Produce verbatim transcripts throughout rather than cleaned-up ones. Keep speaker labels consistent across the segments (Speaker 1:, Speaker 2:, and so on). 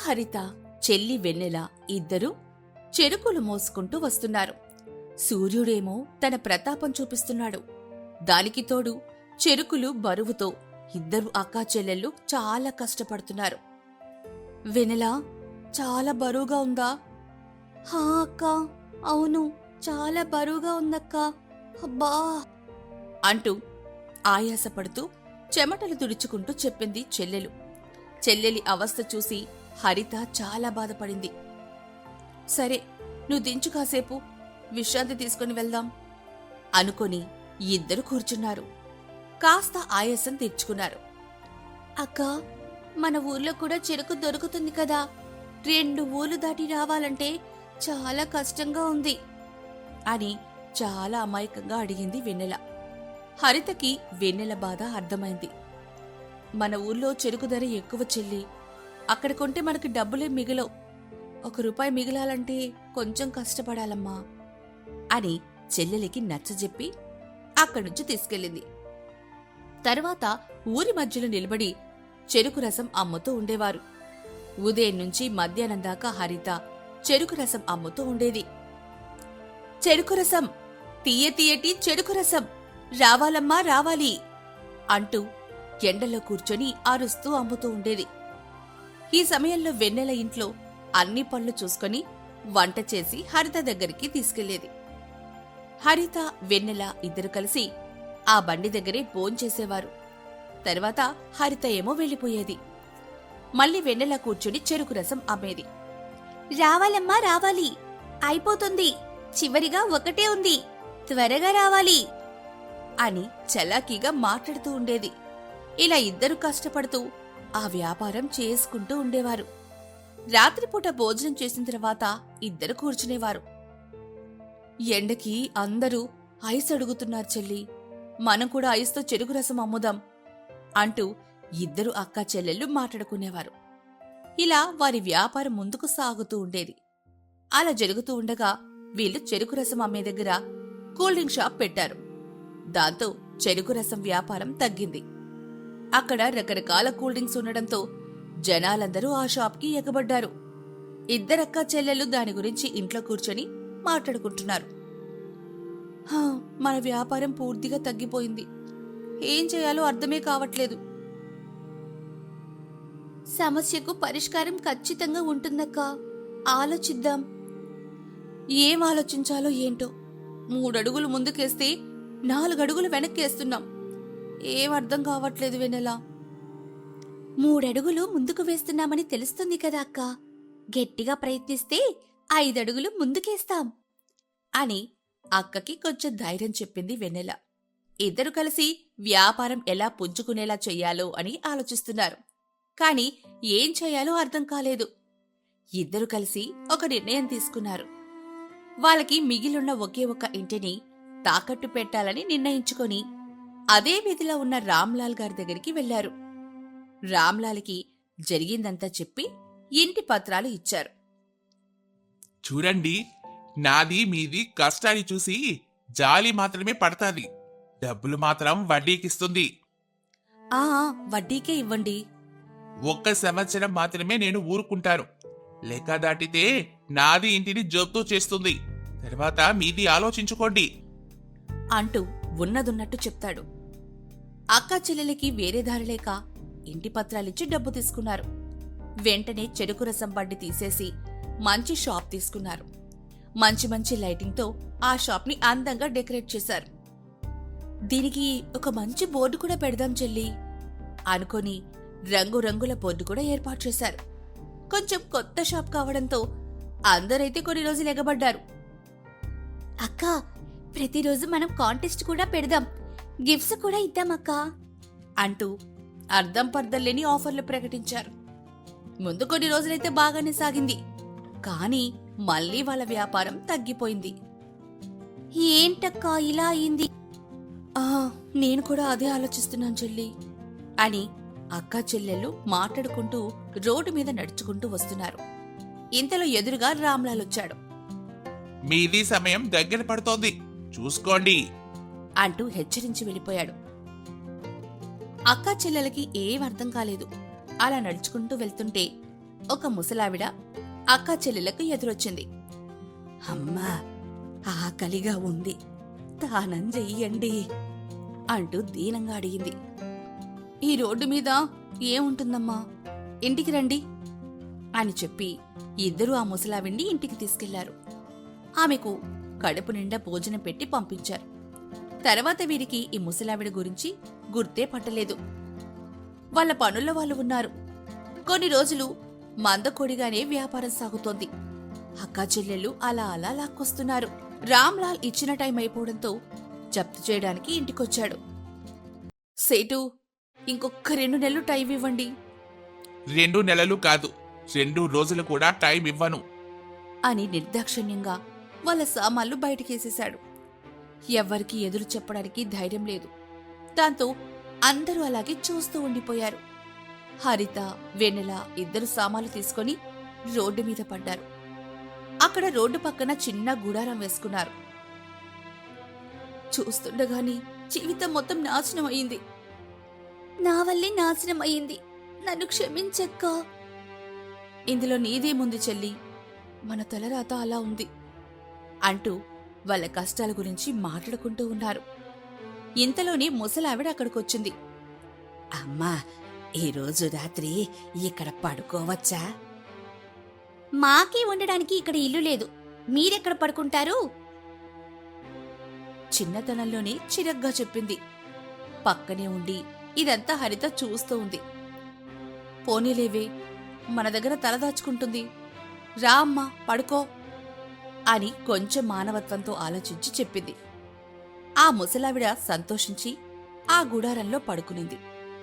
Speaker 1: హరిత, చెల్లి వెన్నెల ఇద్దరూ చెరుకులు మోసుకుంటూ వస్తున్నారు. సూర్యుడేమో తన ప్రతాపం చూపిస్తున్నాడు. దానికి తోడు చెరుకులు బరువుతో ఇద్దరు అక్కా చెల్లెళ్ళు చాలా కష్టపడుతున్నారు. వెన్నెల, చాలా బరువుగా ఉందా? హా అక్కా, అవును, చాలా బరువుగా ఉందక్కా, అబ్బా అంటూ ఆయాసపడుతూ చెమటలు తుడుచుకుంటూ చెప్పింది చెల్లెలు. చెల్లెలి అవస్థ చూసి హరిత చాలా బాధపడింది. సరే, నువ్వు దించు, కాసేపు విశ్రాంతి తీసుకుని వెళ్దాం అనుకొని ఇద్దరు కూర్చున్నారు. కాస్త ఆయాసం తీర్చుకున్నారు. అక్కా, మన ఊర్లో కూడా చెరుకు దొరుకుతుంది కదా, రెండు ఊర్లు దాటి రావాలంటే చాలా కష్టంగా ఉంది అని చాలా అమాయకంగా అడిగింది వెన్నెల. హరితకి వెన్నెల బాధ అర్థమైంది. మన ఊర్లో చెరుకు ధర ఎక్కువ చెల్లి, అక్కడ కొంటే మనకి డబ్బులే మిగలవు, ఒక రూపాయి మిగిలాలంటే కొంచెం కష్టపడాలమ్మా అని చెల్లెలికి నచ్చజెప్పి అక్కడి నుంచి తీసుకెళ్ళింది. తర్వాత ఊరి మధ్యలో నిలబడి చెరుకు రసం అమ్ముతూ ఉండేవారు. ఉదయం నుంచి మధ్యాహ్నం దాకా హరిత చెరుకు రసం అమ్ముతూ ఉండేది. చెరుకు రసం, తీయ తీయటి చెరుకు రసం, రావాలమ్మా రావాలి అంటూ ఎండలో కూర్చొని అరుస్తూ అమ్ముతూ ఉండేది. ఈ సమయంలో వెన్నెల ఇంట్లో అన్ని పనులు చూసుకొని వంట చేసి హరిత దగ్గరికి తీసుకెళ్లేది. హరిత, వెన్నెల ఇద్దరు కలిసి ఆ బండి దగ్గరే భోంచేసేవారు. తర్వాత హరిత ఏమో వెళ్ళిపోయేది. మళ్ళీ వెన్నెల కూర్చుని చెరుకు రసం అమ్మేది. రావాలమ్మా రావాలి, అయిపోతుంది, చివరిగా ఒకటే ఉంది, త్వరగా రావాలి అని చలాకీగా మాట్లాడుతూ ఉండేది. ఇలా ఇద్దరు కష్టపడుతూ ఆ వ్యాపారం చేసుకుంటూ ఉండేవారు. రాత్రిపూట భోజనం చేసిన తర్వాత ఇద్దరు కూర్చునేవారు. ఎండకి అందరూ ఐస్ అడుగుతున్నారు చెల్లి, మనం కూడా ఐస్తో చెరుకు రసం అమ్ముదాం అంటూ ఇద్దరు అక్కా చెల్లెళ్ళు మాట్లాడుకునేవారు. ఇలా వారి వ్యాపారం ముందుకు సాగుతూ ఉండేది. అలా జరుగుతూ ఉండగా వీళ్లు చెరుకు రసం అమ్మే దగ్గర కూల్ డ్రింక్ షాప్ పెట్టారు. దాంతో చెరుకు రసం వ్యాపారం తగ్గింది. అక్కడ రకరకాల కూల్ డ్రింక్స్ ఉండడంతో జనాలందరూ ఆ షాప్కి ఎగబడ్డారు. ఇద్దరక్కా చెల్లెళ్ళు దాని గురించి ఇంట్లో కూర్చొని మాట్లాడుకుంటున్నారు. హా, మన వ్యాపారం పూర్తిగా తగ్గిపోయింది, ఏం చేయాలో అర్థమే కావట్లేదు. సమస్యకు పరిష్కారం ఖచ్చితంగా ఉంటుందక్కా, ఆలోచిద్దాం. ఏం ఆలోచించాలో ఏంటో, మూడడుగులు ముందుకేస్తే నాలుగడుగులు వెనక్కేస్తున్నాం, ఏం అర్థం కావట్లేదు వెన్నెలా. మూడడుగులు ముందుకు వేస్తున్నామని తెలుస్తుంది కదా అక్కా, గట్టిగా ప్రయత్నిస్తే ఐదడుగులు ముందుకేస్తాం అని అక్కకి కొంచెం ధైర్యం చెప్పింది వెన్నెల. ఇద్దరు కలిసి వ్యాపారం ఎలా పుంజుకునేలా చెయ్యాలో అని ఆలోచిస్తున్నారు. కాని ఏం చేయాలో అర్థం కాలేదు. ఇద్దరు కలిసి ఒక నిర్ణయం తీసుకున్నారు. వాళ్ళకి మిగిలిన ఒకే ఒక ఇంటిని తాకట్టు పెట్టాలని నిర్ణయించుకొని అదే వీధిలో ఉన్న రామ్లాల్ గారి దగ్గరికి వెళ్లారు. రామ్లాల్కి జరిగిందంతా చెప్పి ఇంటి పత్రాలు ఇచ్చారు.
Speaker 2: చూడండి, నాది మీది కష్టాన్ని చూసి జాలి మాత్రమే పడతాది, డబ్బులు మాత్రం వడ్డీకిస్తుంది.
Speaker 1: ఆ వడ్డీకే ఇవ్వండి.
Speaker 2: ఒక్క సంవత్సరం మాత్రమే నేను ఊరుకుంటాను, లెక్క దాటితే నాది ఇంటిని జప్తు చేస్తుంది, తర్వాత మీది ఆలోచించుకోండి
Speaker 1: అంటూ ఉన్నదున్నట్టు చెప్తాడు. అక్కా చెల్లెలకి వేరే దారి లేక ఇంటి పత్రాలిచ్చి డబ్బు తీసుకున్నారు. వెంటనే చెరుకు రసం బండి తీసేసి మంచి షాప్ తీసుకున్నారు. మంచి మంచి లైటింగ్తో ఆ షాప్ని అందంగా డెకరేట్ చేశారు. దీనికి ఒక మంచి బోర్డు కూడా పెడదాం చెల్లి అనుకొని రంగురంగుల బోర్డు కూడా ఏర్పాటు చేశారు. కొంచెం కొత్త షాప్ కావడంతో అందరైతే కొన్ని రోజులు ఎగబడ్డారు. అక్కా, ప్రతిరోజు మనం కాంటెస్ట్ కూడా పెడదాం, గిఫ్ట్స్ కూడా ఇద్దామక్కా అంటూ అర్ధం పర్ధం లేని ఆఫర్లు ప్రకటించారు. ముందు కొన్ని రోజులైతే బాగానే సాగింది. కానీ మళ్లీ వాళ్ళ వ్యాపారం తగ్గిపోయింది. ఏంటక్కా ఇలా అయింది? ఆ నేను కూడా అదే ఆలోచిస్తున్నాను చెల్లి అని అక్కా చెల్లెళ్ళు మాట్లాడుకుంటూ రోడ్డు మీద నడుచుకుంటూ వస్తున్నారు. ఇంతలో ఎదురుగా రామ్లాల్ వచ్చాడు.
Speaker 2: మీది సమయం దగ్గర పడుతోంది, చూసుకోండి
Speaker 1: అంటూ హెచ్చరించి వెళ్ళిపోయాడు. అక్కా చెల్లెలకి ఏం అర్థం కాలేదు. అలా నడుచుకుంటూ వెళ్తుంటే ఒక ముసలావిడ అక్కా చెల్లెలకు ఎదురొచ్చింది.
Speaker 3: అమ్మా, ఆకలిగా ఉంది, దానం చెయ్యండి
Speaker 1: అంటూ దీనంగా అడిగింది. ఈ రోడ్డు మీద ఏముంటుందమ్మా, ఇంటికి రండి అని చెప్పి ఇద్దరూ ఆ ముసలావిడ్ని ఇంటికి తీసుకెళ్లారు. ఆమెకు కడుపు నిండా భోజనం పెట్టి పంపించారు. తర్వాత వీరికి ఈ ముసలావిడ గురించి గుర్తే పట్టలేదు. వాళ్ళ పనుల్లో వాళ్ళు ఉన్నారు. కొన్ని రోజులు మందకొడిగానే వ్యాపారం సాగుతోంది. అక్కా చెల్లెళ్ళు అలా అలా లాక్కొస్తున్నారు. రామ్లాల్ ఇచ్చిన టైం అయిపోవడంతో జప్తు చేయడానికి ఇంటికొచ్చాడు. సేటు, ఇంకొక రెండు నెలలు టైం ఇవ్వండి
Speaker 2: రెండు నెలలు కాదు, రెండు రోజులు కూడా టైం ఇవ్వను
Speaker 1: అని నిర్దాక్షిణ్యంగా వాళ్ళ సామాన్లు బయటకేసేశాడు. ఎవ్వరికీ ఎదురు చెప్పడానికి ధైర్యం లేదు. దాంతో అందరూ అలాగే చూస్తూ ఉండిపోయారు. హరిత, వెన్నెల ఇద్దరు సామాన్లు తీసుకొని రోడ్డు మీద పడ్డారు. అక్కడ రోడ్డు పక్కన చిన్న గుడారం వేసుకున్నారు. చూస్తుండగాని జీవితం మొత్తం నాశనం అయింది. నా వల్లే నాశనం అయింది, నన్ను క్షమించక్క. ఇందులో నీదేముంది చెల్లి, మన తలరాత అలా ఉంది అంటూ వాళ్ళ కష్టాల గురించి మాట్లాడుకుంటూ ఉన్నారు. ఇంతలోనే ముసలావిడ అక్కడికొచ్చింది.
Speaker 3: అమ్మా, ఈరోజు రాత్రి ఇక్కడ పడుకోవచ్చా?
Speaker 1: మాకే ఉండడానికి ఇక్కడ ఇల్లు లేదు, మీరెక్కడ పడుకుంటారు? చిన్నతనంలోనే చిరగ్గా చెప్పింది. పక్కనే ఉండి ఇదంతా హరిత చూస్తూ ఉంది. పోనీలేవే, మన దగ్గర తలదాచుకుంటుంది, రా అమ్మా పడుకో అని కొంచెం మానవత్వంతో ఆలోచించి చెప్పింది. ఆ ముసలావిడ సంతోషించి ఆ గుడారంలో పడుకునింది.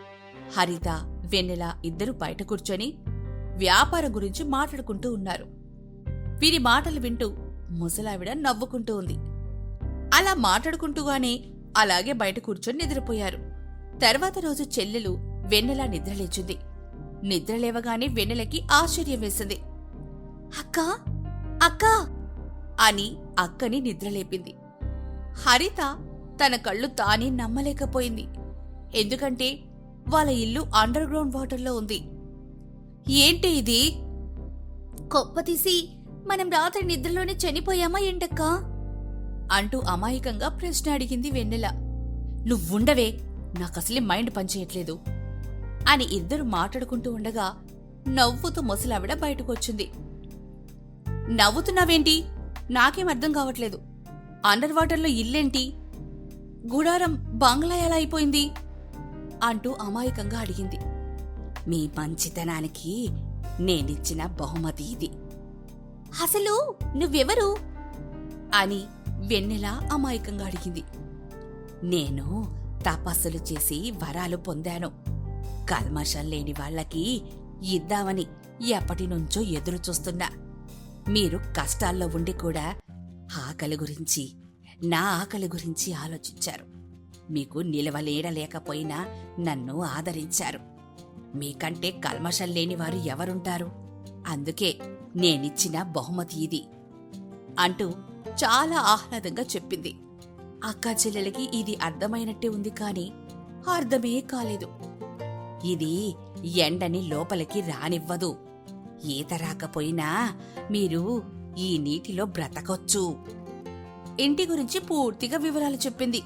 Speaker 1: హరిత, వెన్నెల ఇద్దరు బయట కూర్చొని వ్యాపారం గురించి మాట్లాడుకుంటూ ఉన్నారు. వీరి మాటలు వింటూ ముసలావిడ నవ్వుకుంటూ ఉంది. అలా మాట్లాడుకుంటూగానే అలాగే బయట కూర్చొని నిద్రపోయారు. తర్వాత రోజు చెల్లెలు వెన్నెల నిద్రలేచింది. నిద్రలేవగానే వెన్నెలకి ఆశ్చర్యం వేసింది. అక్కా అక్కా అని అక్కని నిద్రలేపింది. హరిత తన కళ్ళు తానే నమ్మలేకపోయింది. ఎందుకంటే వాళ్ళ ఇల్లు అండర్ గ్రౌండ్ వాటర్లో ఉంది. ఏంటి ఇది? కొప్పతీసి మనం రాత్రి నిద్రలోనే చనిపోయామా ఏంటక్కా అంటూ అమాయకంగా ప్రశ్న అడిగింది వెన్నెల. నువ్వుండవే, నాకసలే మైండ్ పనిచేయట్లేదు అని ఇద్దరు మాట్లాడుకుంటూ ఉండగా నవ్వుతూ ముసలావిడ బయటకొచ్చింది. నవ్వుతున్నావేంటి? నాకేం అర్థం కావట్లేదు. అండర్ వాటర్లో ఇల్లేంటి? గుడారం బంగ్లా ఎలా అయిపోయింది అంటూ అమాయకంగా అడిగింది.
Speaker 3: మీ మంచితనానికి నేనిచ్చిన బహుమతి ఇది.
Speaker 1: అసలు నువ్వెవరు అని వెన్నెల అమాయకంగా అడిగింది.
Speaker 3: నేను తపస్సులు చేసి వరాలు పొందాను. కల్మషం లేని వాళ్లకి ఇద్దామని ఎప్పటినుంచో ఎదురు చూస్తున్నా. మీరు కష్టాల్లో ఉండి కూడా ఆకలి గురించి, నా ఆకలి గురించి ఆలోచించారు. మీకు నిలవలేడలేకపోయినా నన్ను ఆదరించారు. మీకంటే కల్మషం లేనివారు ఎవరుంటారు? అందుకే నేనిచ్చిన బహుమతి ఇది
Speaker 1: అంటూ చాలా ఆహ్లాదంగా చెప్పింది. అక్కా చెల్లెలకి ఇది అర్థమైనట్టే ఉంది కాని అర్థమే కాలేదు.
Speaker 3: ఇది ఎండని లోపలికి రానివ్వదు. ఈత రాకపోయినా మీరు ఈ నీటిలో బ్రతకొచ్చు.
Speaker 1: ఇంటి గురించి పూర్తిగా వివరాలు చెప్పింది.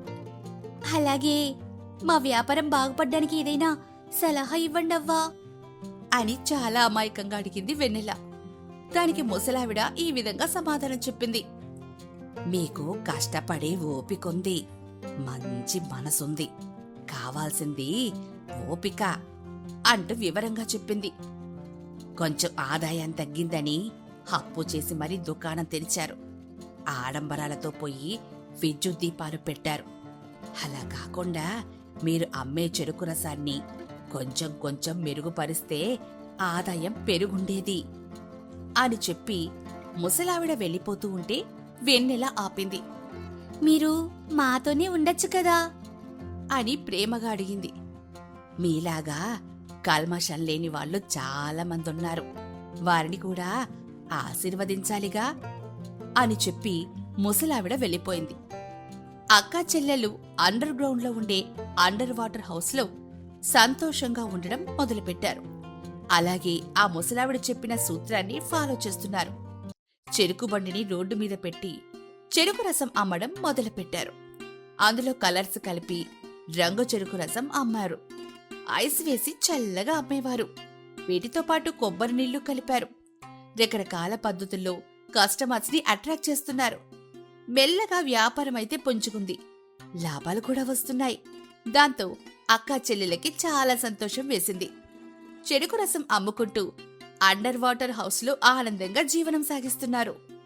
Speaker 1: అలాగే మా వ్యాపారం బాగుపడ్డానికి ఏదైనా సలహా ఇవ్వండవ్వా అని చాలా అమాయకంగా అడిగింది వెన్నెల. దానికి ముసలావిడ ఈ విధంగా సమాధానం చెప్పింది.
Speaker 3: మీకు కష్టపడే ఓపికొంది, మంచి మనసుంది, కావాల్సింది ఓపిక
Speaker 1: అంటూ వివరంగా చెప్పింది.
Speaker 3: కొంచెం ఆదాయం తగ్గిందని అప్పు చేసి మరీ దుకాణం తెరిచారు. ఆడంబరాలతో పోయి విద్యుత్ దీపాలు పెట్టారు. అలా కాకుండా మీరు అమ్మే చెరుకు రసాన్ని కొంచెం కొంచెం మెరుగుపరిస్తే ఆదాయం పెరుగుండేది
Speaker 1: అని చెప్పి ముసలావిడ వెళ్ళిపోతూ ఉంటే వెన్నెల ఆపింది. మీరు మాతోనే ఉండొచ్చు కదా అని ప్రేమగా అడిగింది.
Speaker 3: మీలాగా కల్మషం లేని వాళ్ళు చాలా మంది ఉన్నారు. వారిని కూడా ఆశీర్వదించాలిగా
Speaker 1: అని చెప్పి ముసలావిడ వెళ్ళిపోయింది. అక్కా చెల్లెలు అండర్ గ్రౌండ్ లో ఉండే అండర్ వాటర్ హౌస్ లో సంతోషంగా ఉండడం మొదలుపెట్టారు. అలాగే ఆ ముసలావిడ చెప్పిన సూత్రాన్ని ఫాలో చేస్తున్నారు. చెరుకు బండిని రోడ్డు మీద పెట్టి చెరుకు రసం అమ్మడం మొదలుపెట్టారు. అందులో కలర్స్ కలిపి రంగు చెరుకు రసం అమ్మారు. ఐస్ వేసి చల్లగా అమ్మేవారు. వీటితో పాటు కొబ్బరి నీళ్లు కలిపారు. రకరకాల పద్ధతుల్లో కస్టమర్స్ ని అట్రాక్ట్ చేస్తున్నారు. మెల్లగా వ్యాపారం అయితే పుంజుకుంది. లాభాలు కూడా వస్తున్నాయి. దాంతో అక్కా చెల్లెలకి చాలా సంతోషం వేసింది. చెరుకు రసం అమ్ముకుంటూ అండర్ వాటర్ హౌస్లో ఆనందంగా జీవనం సాగిస్తున్నారు.